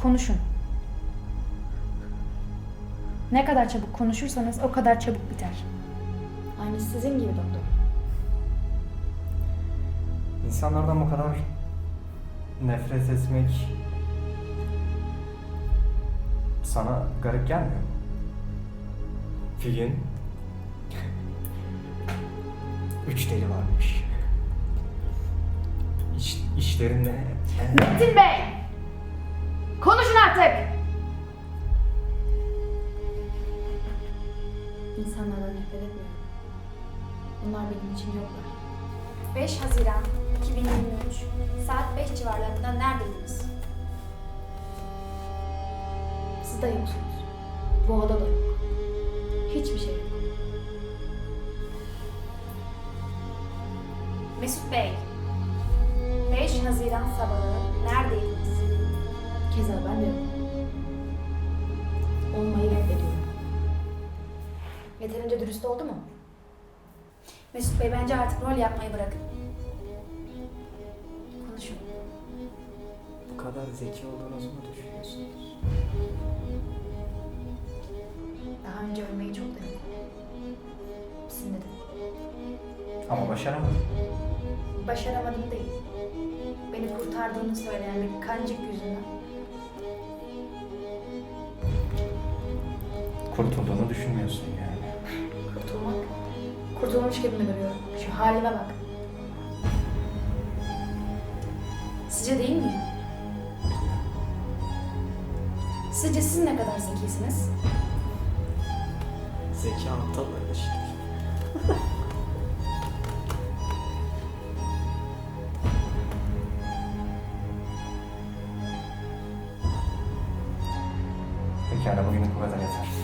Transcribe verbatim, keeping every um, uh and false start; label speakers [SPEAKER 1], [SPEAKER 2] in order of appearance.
[SPEAKER 1] Konuşun. Ne kadar çabuk konuşursanız o kadar çabuk biter.
[SPEAKER 2] Aynı sizin gibi doktor.
[SPEAKER 3] İnsanlardan bu kadar nefret etmek sana garip gelmiyor mu? Bir gün üç deli varmış. İş, işlerinde...
[SPEAKER 1] Metin Bey! Konuşun artık!
[SPEAKER 2] İnsanlardan nefret etmiyorum. Bunlar benim için yoklar.
[SPEAKER 4] beş Haziran iki bin yirmi üç saat beş civarlarında neredeydiniz?
[SPEAKER 2] Siz de yoksunuz. Bu odada da yok. Hiçbir şey yok.
[SPEAKER 4] Mesut Bey, beş Haziran sabahı neredeydiniz?
[SPEAKER 2] Keza ben de yokum. Olmayı reddediyorum.
[SPEAKER 4] Yeterince dürüst oldu mu? Mesut Bey, bence artık rol yapmayı bırakın. Konuşun.
[SPEAKER 3] Bu kadar zeki olduğunuzu mu düşünüyorsunuz?
[SPEAKER 2] Daha önce ölmeyi çok denedim. Sinirdim.
[SPEAKER 3] Ama başaramadım.
[SPEAKER 2] Başaramadım değil. Beni kurtardığını söyleyen bir kancık yüzünden.
[SPEAKER 3] Kurtulduğunu düşünmüyorsun yani.
[SPEAKER 2] Kurtulmak, kurtulmuş gibi mi görüyorum? Şu halime bak.
[SPEAKER 4] Sizce değil mi? Sizce siz ne kadar zekisiniz?
[SPEAKER 3] Zeki aptallar işte. Pekala, bugünlük bu kadar yeter.